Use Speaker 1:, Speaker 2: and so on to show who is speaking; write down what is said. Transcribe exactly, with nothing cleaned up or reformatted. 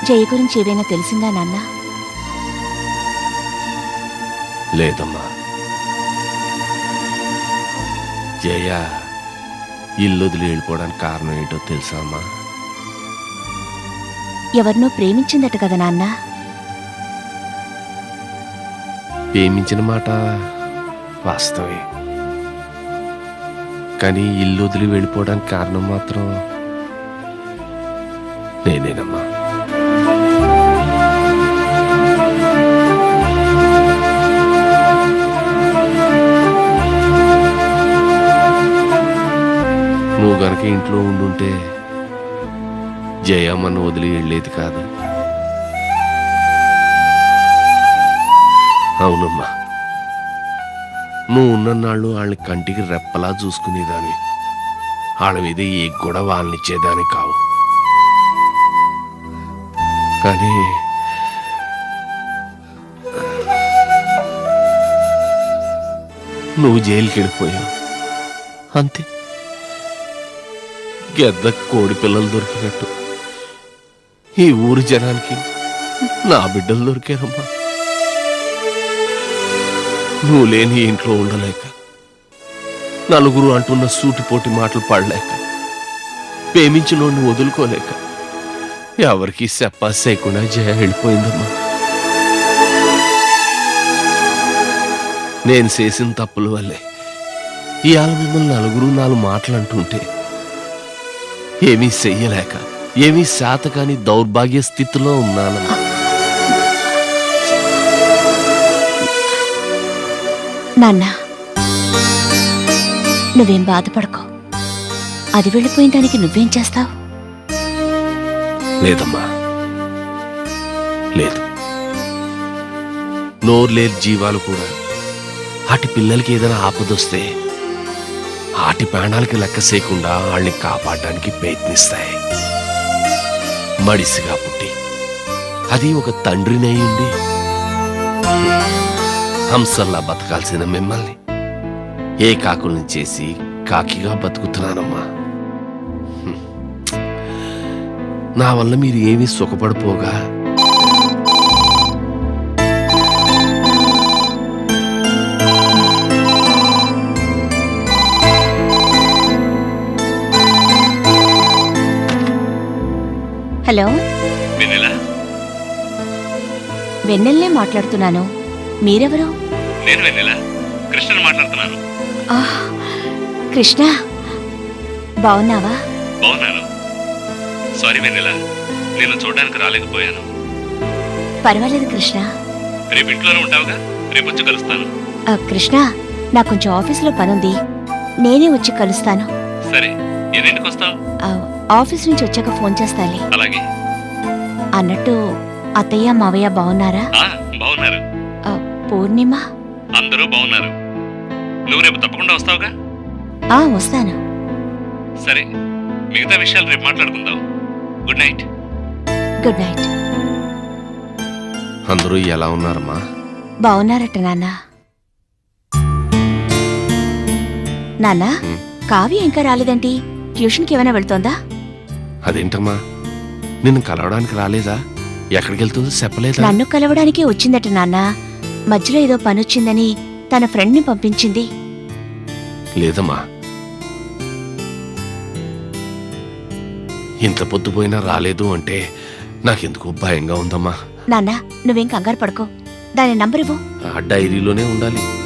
Speaker 1: జయ గురించి ఏదైనా తెలిసిందా నాన్న?
Speaker 2: లేదమ్మా. జయ ఇల్లు వదిలి వెళ్ళిపోవడానికి కారణం ఏంటో తెలుసా అమ్మా?
Speaker 1: ఎవరినో ప్రేమించిందట కదా నాన్న?
Speaker 2: ప్రేమించిన మాట వాస్తవే, కానీ ఇల్లు వదిలి వెళ్ళిపోవడానికి కారణం మాత్రం నేనేనమ్మా. నువ్వు గనక ఇంట్లో ఉండుంటే జయమ్మను వదిలి వెళ్ళేది కాదు. అవునమ్మా, నువ్వు ఉన్నన్నాళ్ళు వాళ్ళని కంటికి రెప్పలా చూసుకునేదాన్ని. వాళ్ళ మీద ఏ కూడా వాళ్ళనిచ్చేదాన్ని కావు. కానీ నువ్వు జైలుకి వెళ్ళిపోయావు అంతే. గెద్ద కోడి పిల్లలు దొరికినట్టు ఈ ఊరి జనానికి నా బిడ్డలు దొరికారమ్మా. నువ్వు లేని ఇంట్లో ఉండలేక, నలుగురు అంటున్న సూటిపోటి మాటలు పడలేక, ప్రేమించినోడిని వదులుకోలేక ఎవరికి చెప్పా చేయకుండా జయ వెళ్ళిపోయిందమ్మా. నేను చేసిన తప్పుల వల్లే ఇవాళ మిమ్మల్ని నలుగురు నాలుగు మాటలు అంటుంటే ఏమీ చెయ్యలేక, ఏమీ శాతకాని దౌర్భాగ్య స్థితిలో ఉన్నానమ్మా.
Speaker 1: నాన్న, నువ్వేం బాధపడకో. అది వెళ్ళిపోయిన దానికి నువ్వేం చేస్తావు?
Speaker 2: లేదమ్మా, లేదు. నోరులేని జీవాలు కూడా ఆటి పిల్లలకి ఏదైనా ఆపదొస్తే ఆటి ప్రాణాలకి లెక్క చేయకుండా వాళ్ళని కాపాడడానికి ప్రయత్నిస్తాయి. మడిసిగా పుట్టి అది ఒక తండ్రినయ్యుండి హంసల్లా బతకాల్సిన మిమ్మల్ని ఏ కాకుల్ని చేసి కాకిగా బతుకుతున్నానమ్మా. నా వల్ల మీరు ఏమీ సుఖపడిపోగా
Speaker 1: హలో, వెన్నెల్నే మాట్లాడుతున్నాను. మీరెవరు?
Speaker 3: నేను వెన్నెల, కృష్ణని మాట్లాడుతున్నాను.
Speaker 1: కృష్ణ, బావున్నావా?
Speaker 3: బావున్నాను. సారీ వెన్నెల, నేను చూడడానికి రాలేకపోయాను.
Speaker 1: పర్వాలేదు కృష్ణ.
Speaker 3: రేపు ఇంట్లోనే ఉంటావుగా? రేపు వచ్చి కలుస్తాను.
Speaker 1: కృష్ణ, నాకు కొంచెం ఆఫీసులో పనుంది, నేనే వచ్చి కలుస్తాను.
Speaker 3: సరే, ఎన్నింటికి వస్తావు?
Speaker 1: ఆఫీస్ నుంచి వచ్చాక ఫోన్ చేస్తాలే.
Speaker 3: అలాగే.
Speaker 1: అన్నట్టు అత్తయ్య మావయ్య బావున్నారా?
Speaker 3: బావున్నారు.
Speaker 1: పూర్ణిమ
Speaker 3: అందరూ బావున్నారు. నువ్వు రేపు తప్పకుండా వస్తావుగా?
Speaker 1: ఆ వస్తాను.
Speaker 3: సరే, మిగతా విషయాలు రేపు మాట్లాడుకుందాం. Good night.
Speaker 1: Good night.
Speaker 2: అందరూ ఎలా ఉన్నారమ్మా?
Speaker 1: బావున్నారట నాన్న. నాన్న, కావ్య ఇంకా రాలేదేంటి? ట్యూషన్కి ఏమైనా వెళ్తోందా?
Speaker 2: అదేంటమ్మా, నిన్ను కలవడానికి రాలేదా? ఎక్కడికి వెళ్తుందో చెప్పలేదా?
Speaker 1: నన్ను కలవడానికే వచ్చిందట నాన్న. మధ్యలో ఏదో పనొచ్చిందని తన ఫ్రెండ్ని పంపించింది.
Speaker 2: లేదమ్మా, ఇంత పొద్దుపోయినా రాలేదు అంటే నాకెందుకు భయంగా ఉందమ్మా.
Speaker 1: నాన్న, నువ్వేం కంగారు పడుకో. దాని నంబర్ ఇవ్వు.
Speaker 2: ఆ డైరీలోనే ఉండాలి.